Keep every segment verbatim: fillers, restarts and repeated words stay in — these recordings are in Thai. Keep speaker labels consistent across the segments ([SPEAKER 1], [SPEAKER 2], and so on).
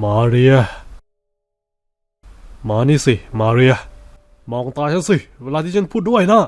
[SPEAKER 1] มาเรียมานี่สิมาเรียมองตาฉันสิเวลาที่ฉันพูดด้วยนะ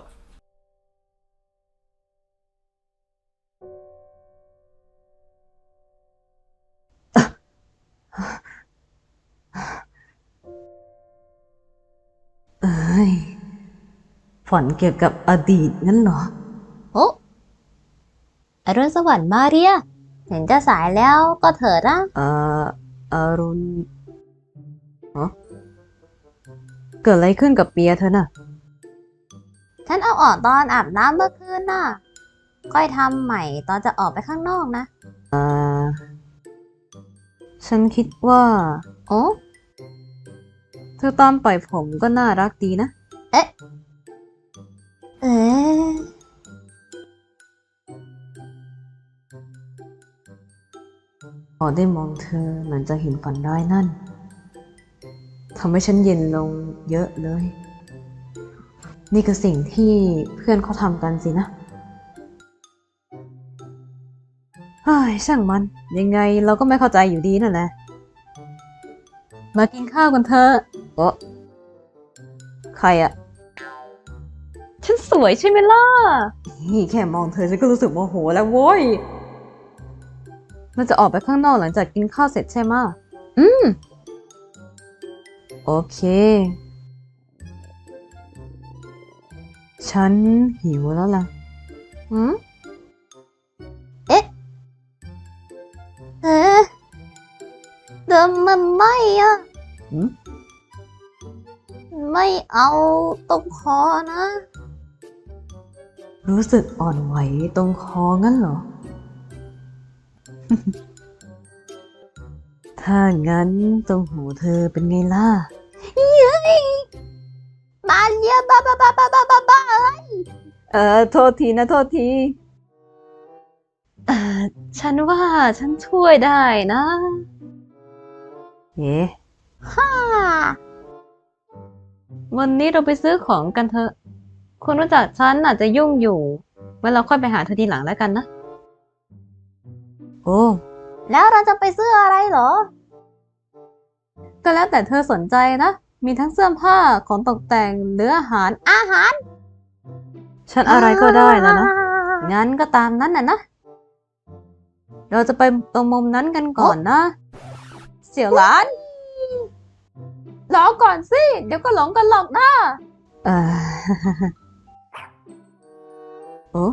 [SPEAKER 2] เอ้ยฝันเกี่ยวกับอดีตงั้นเหรอ
[SPEAKER 3] โอ้อรุณสวัสดิ์มาเรียเห็นจะสายแล้วก็เถิดนะ
[SPEAKER 2] เอ่ออรุณฮะเกิดอะไรขึ้นกับเปียเธอน่ะ
[SPEAKER 3] ฉันเอาออกตอนอาบน้ำเมื่อคืนน่ะค่อยทำใหม่ตอนจะออกไปข้างนอกนะ
[SPEAKER 2] อ่าฉันคิดว่า
[SPEAKER 3] โอ้
[SPEAKER 2] เธอตอนปล่อยผมก็น่ารักดีนะ
[SPEAKER 3] เอ๊ะเอ๊ะ
[SPEAKER 2] พอได้มองเธอเหมือนจะเห็นฝันร้ายนั่นทำให้ฉันเย็นลงเยอะเลยนี่คือสิ่งที่เพื่อนเขาทำกันสินะเฮ้ยช่างมันยังไงเราก็ไม่เข้าใจอยู่ดีนั่นแหละมากินข้าวกันเถอะโอ้ใครอะฉันสวยใช่ไหมล่ะนี่แค่มองเธอฉันก็รู้สึกโมโหแล้วโว้ยเราจะออกไปข้างนอกหลังจากกินข้าวเสร็จใช่ไหมอืมโอเคฉันหิวแล้วล่ะ
[SPEAKER 3] หืมเอ๊ะเอ๊ะเดิมมันไม่อะ
[SPEAKER 2] หืม
[SPEAKER 3] ไม่เอาตรงคอนะ
[SPEAKER 2] รู้สึกอ่อนไหวตรงคองั้นเหรอ ถ้างั้นตรงหูเธอเป็นไงล่ะ
[SPEAKER 3] เย้ยมาเรียบ้าบ้าบ้าบ้าบ้าบ้าบ้าเอ้ย
[SPEAKER 2] เออโทษทีนะโทษทีเออฉันว่าฉันช่วยได้นะเอ๊ะ
[SPEAKER 3] ฮ่า
[SPEAKER 2] วันนี้เราไปซื้อของกันเถอะคุณรู้จักฉันอาจจะยุ่งอยู่ไว้เราค่อยไปหาเธอทีหลังแล้วกันนะโอ้
[SPEAKER 3] แล้วเราจะไปซื้ออะไรเหรอ
[SPEAKER 2] ก็แล้วแต่เธอสนใจนะมีทั้งเสื้อผ้าของตกแต่งหรืออาหาร
[SPEAKER 3] อาหาร
[SPEAKER 2] ฉันอะไรก็ได้แล้วนะงั้นก็ตามนั้นน่ะนะเราจะไปตรงมุมนั้นกันก่อนนะเสี่ยวหลานรอก่อนสิเดี๋ยวก็หลงกันหรอกนะเออโอ้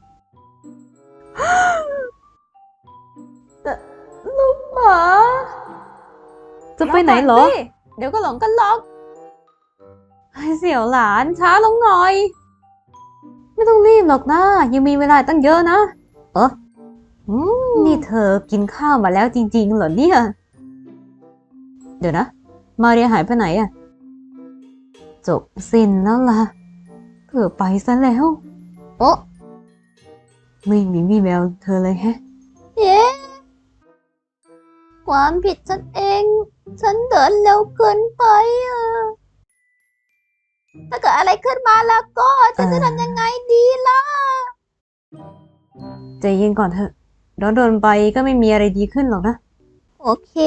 [SPEAKER 2] ลูกหมาจะไปไหนเหรอเดี๋ยวก็หลงกันหรอกให้เสี่ยวหลานช้าลงหน่อยไม่ต้องรีบหรอกนะยังมีเวลาตั้งเยอะนะเออนี่เธอกินข้าวมาแล้วจริงๆเหรอเนี่ยเดี๋ยวนะมาเรียหายไปไหนอะจบสิ้นแล้วล่ะเผื่อไปซะแล้ว
[SPEAKER 3] โอ้
[SPEAKER 2] ไม่มีวี่แววเธอเลยแฮะ
[SPEAKER 3] เย้ความผิดฉันเอง ฉันเดินเร็วเกินไปอะถ้าเกิดอะไรขึ้นมาแล้วก็ฉันจะทำยังไงดีล่ะ
[SPEAKER 2] ใจเย็นก่อนเถอะร้อนโดนไปก็ไม่มีอะไรดีขึ้นหรอกนะ
[SPEAKER 3] โอเค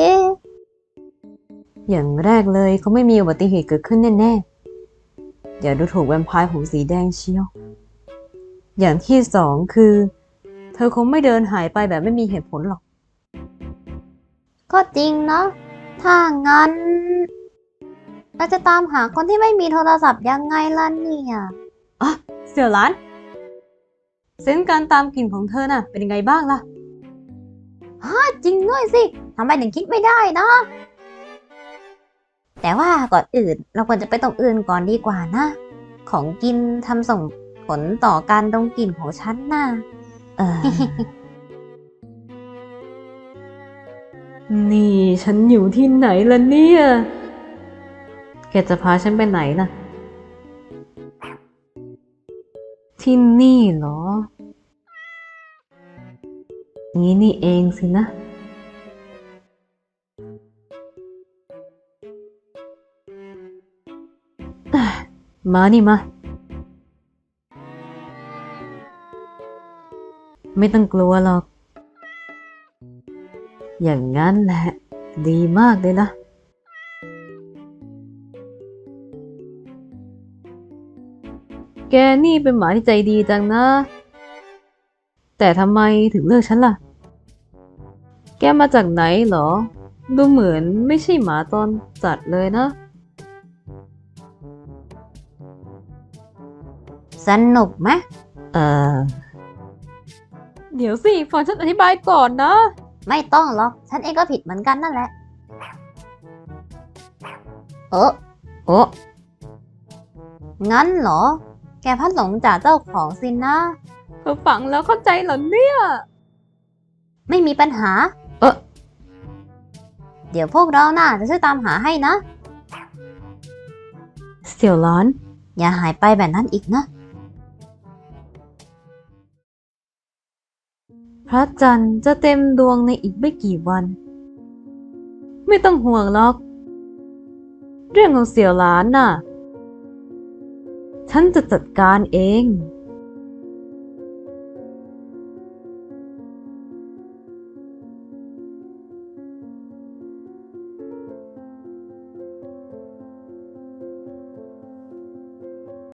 [SPEAKER 2] อย่างแรกเลยเขาไม่มีอุบัติเหตุเกิดขึ้นแน่ๆอย่าดูถูกแวมไพร์ผมสีแดงเชียวอย่างที่สองคือเธอคงไม่เดินหายไปแบบไม่มีเหตุผลหรอก
[SPEAKER 3] ก็จริงเนาะถ้างั้นเราจะตามหาคนที่ไม่มีโทรศัพท์ยังไงล่ะเนี่ย
[SPEAKER 2] อ่ะเสี่ยวหลานเซนส์การตามกลิ่นของเธอน่ะเป็นยังไงบ้างล่ะ
[SPEAKER 3] ฮะจริงด้วยสิทำไมถึงคิดไม่ได้นะแต่ว่าก่อนอื่นเราควรจะไปตรงอื่นก่อนดีกว่านะของกินทำส่งผลต่อการดมกลิ่นของฉันน่ะ
[SPEAKER 2] เออ นี่ฉันอยู่ที่ไหนล่ะเนี่ยแกจะพาฉันไปไหนล่ะที่นี่เหรองี้นี่เองสินะมานี่มาไม่ต้องกลัวหรอกอย่างงั้นแหละดีมากเลยนะ แกนี่เป็นหมาที่ใจดีจังนะ แต่ทำไมถึงเลือกฉันล่ะ แกมาจากไหนเหรอ ดูเหมือนไม่ใช่หมาจรจัดเลยนะ
[SPEAKER 3] สนุกไหม
[SPEAKER 2] เออ เดี๋ยวสิฟังฉันอธิบายก่อนนะ
[SPEAKER 3] ไม่ต้องหรอก ฉันเองก็ผิดเหมือนกันนั่นแหละ เออ
[SPEAKER 2] โอ้
[SPEAKER 3] งั้นเหรอ แกพัดหลงจากเจ้าของสินนะ
[SPEAKER 2] เธอฟังแล้วเข้าใจเหรอเนี่ย
[SPEAKER 3] ไม่มีปัญหา
[SPEAKER 2] เออ
[SPEAKER 3] เดี๋ยวพวกเราน่าจะช่วยตามหาให้นะ
[SPEAKER 2] เสี่ยวหลาน
[SPEAKER 3] อย่าหายไปแบบนั้นอีกนะ
[SPEAKER 2] พระจันทร์จะเต็มดวงในอีกไม่กี่วัน ไม่ต้องห่วงหรอก เรื่องของเสี่ยวหลานน่ะ ฉันจะจัดการเอง